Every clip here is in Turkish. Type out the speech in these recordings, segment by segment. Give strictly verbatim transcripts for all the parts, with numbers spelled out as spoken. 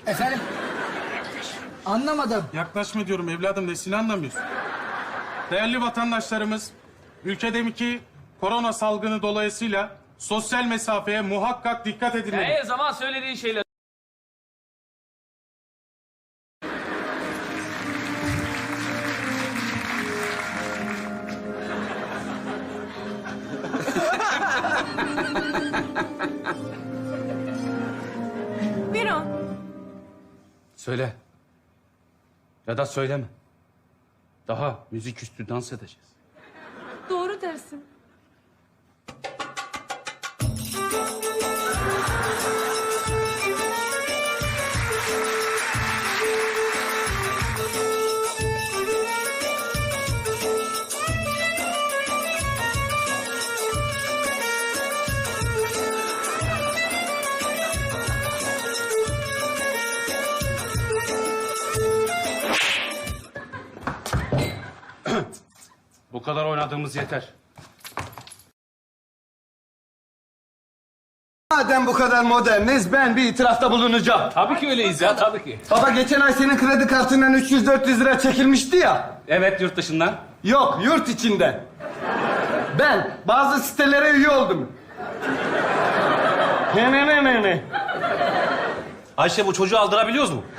Efendim? Anlamadım. Yaklaşma diyorum evladım, nesini anlamıyorsun? Değerli vatandaşlarımız, ülkedeki korona salgını dolayısıyla sosyal mesafeye muhakkak dikkat edin. Her zaman söylediğin şeyler. Miran, Söyle. Ya da söyleme. Daha müzik üstü dans edeceğiz. doğru dersin. Bu kadar oynadığımız yeter. Madem bu kadar moderniz, ben bir itirafta bulunacağım. Tabii ki öyleyiz ya, tabii ki. Baba geçen ay senin kredi kartından üç yüz dört yüz lira çekilmişti ya. Evet, yurt dışından. Yok, yurt içinde. Ben bazı sitelere üye oldum. Ne ne ne ne ne. Ayşe, bu çocuğu aldırabiliyoruz mu?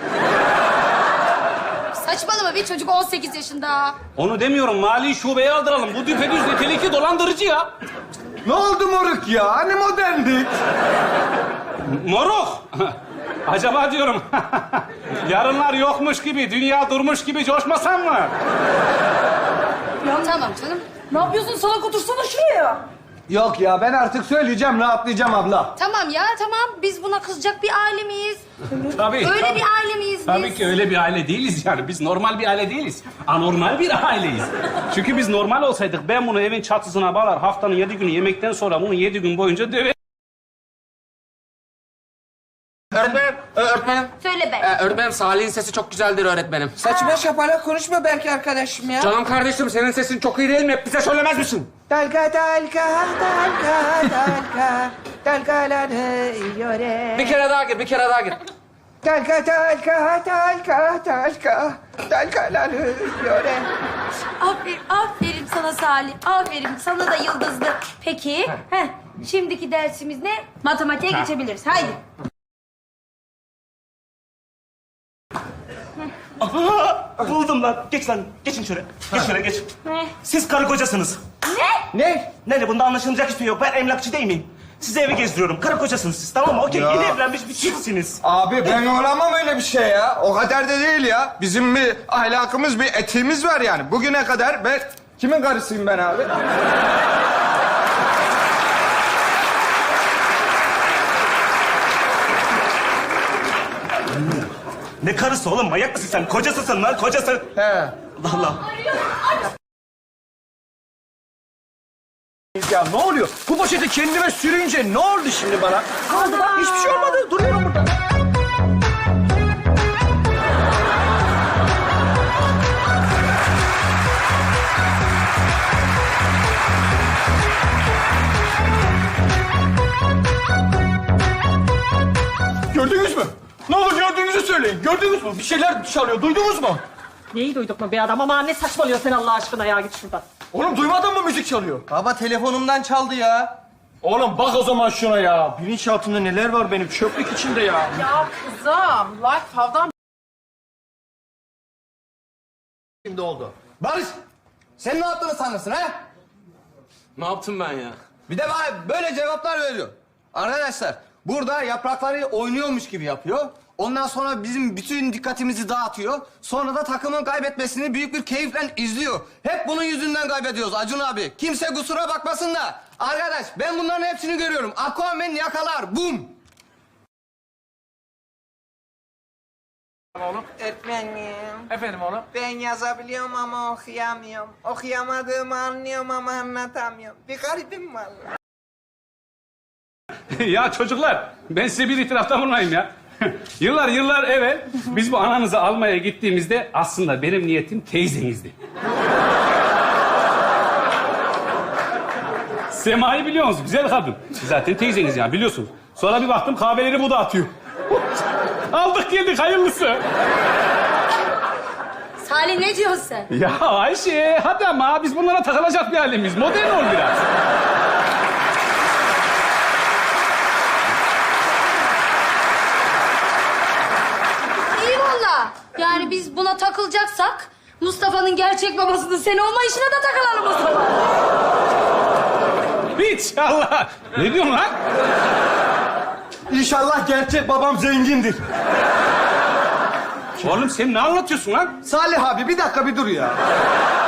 Saçmalama bir çocuk on sekiz yaşında. Onu demiyorum, mali şubeye aldıralım. Bu düpedüz nitelikli dolandırıcı ya. Ne oldu moruk ya? Hani moderndi? Moruk! Acaba diyorum, yarınlar yokmuş gibi, dünya durmuş gibi coşmasam mı? Tamam canım. Ne yapıyorsun? Salak otursana şuraya. Yok ya, ben artık söyleyeceğim, rahatlayacağım abla. Tamam ya tamam. Biz buna kızacak bir aile miyiz? Tabii. Öyle tabii. bir aile miyiz biz? Tabii ki öyle bir aile değiliz yani. Biz normal bir aile değiliz. Anormal bir aileyiz. Çünkü biz normal olsaydık ben bunu evin çatısına bağlar, haftanın yedi günü yemekten sonra bunu yedi gün boyunca döver. Öğretmenim, öğretmenim. Söyle be. Ee, öğretmenim, Salih'in sesi çok güzeldir öğretmenim. Saçma şapalak konuşma belki arkadaşım ya. Canım kardeşim, senin sesin çok iyi değil mi? Hep bize söylemez misin? Dalga dalga dalga dalga dalgalanıyor. Bir kere daha gir, bir kere daha gir. Dalga dalga dalga dalga dalgalanıyor. Aferin, aferin sana Salih. Aferin. Sana da yıldızlı. Peki. Heh, şimdiki dersimiz ne? Matematiğe geçebiliriz. Haydi. Buldum lan. Geç lan. Geçin şöyle. Geç şöyle geç. Ne? Siz karı kocasınız. Ne? Ne? Ne ne? Bunda anlaşılacak hiçbir şey yok. Ben emlakçı değil miyim? Size evi gezdiriyorum. Karı kocasınız siz. Tamam mı? Okey. Ya. Yeni evlenmiş bir çiftsiniz. Abi ben olamam öyle bir şey ya. O kadar da değil ya. Bizim bir ahlakımız, bir etiğimiz var yani. Bugüne kadar ben... Kimin karısıyım ben abi? Ne karısı oğlum? Manyak mısın sen? Kocasısın lan. Kocası. He. Allah Allah. Ya ne oluyor? Bu poşeti kendime sürünce ne oldu şimdi bana? Kaldı bak, hiçbir şey olmadı. Duruyorum burada. Gördünüz mü? Ne olur gördüğünüzü söyleyin. Gördünüz mü? Bir şeyler çalıyor. Duydunuz mu? Neyi duyduk mu be adam? Ama ne saçmalıyor sen Allah aşkına ya, git şuradan. Oğlum duymadın mı müzik çalıyor? Baba telefonumdan çaldı ya. Oğlum bak o zaman şuna ya. Bilinçaltında neler var benim çöplük içinde ya. Ya kızım, Life Hav'dan Şimdi oldu. Barış, sen ne yaptığını sanırsın ha? Ne yaptım ben ya? Bir de bana böyle cevaplar veriyor. Arkadaşlar, burada yaprakları oynuyormuş gibi yapıyor. Ondan sonra bizim bütün dikkatimizi dağıtıyor. Sonra da takımın kaybetmesini büyük bir keyifle izliyor. Hep bunun yüzünden kaybediyoruz Acun abi. Kimse kusura bakmasın da. Arkadaş, ben bunların hepsini görüyorum. Aquaman yakalar, bum. Öğretmenim, Efendim oğlum? ben yazabiliyorum ama okuyamıyorum. Okuyamadığımı anlıyorum ama anlatamıyorum. Bir garibim vallahi. Ya çocuklar, ben size bir itirafta bulunayım ya. Yıllar yıllar evvel biz bu ananızı almaya gittiğimizde aslında benim niyetim teyzenizdi. Sema'yı biliyor musunuz? Güzel kadın. Zaten teyzeniz ya, biliyorsunuz. Sonra bir baktım kahveleri bu da atıyor. Aldık geldik hayırlısı. Salih ne diyorsun sen? Ya Ayşe hadi ama biz bunlara takılacak bir halimiz. Modern ol biraz. İyi valla. Yani biz buna takılacaksak Mustafa'nın gerçek babasının sen olma işine de takılalım o zaman. Hiç Allah. Ne diyorsun lan? İnşallah gerçek babam zengindir. Oğlum sen ne anlatıyorsun lan? Salih abi bir dakika bir dur ya.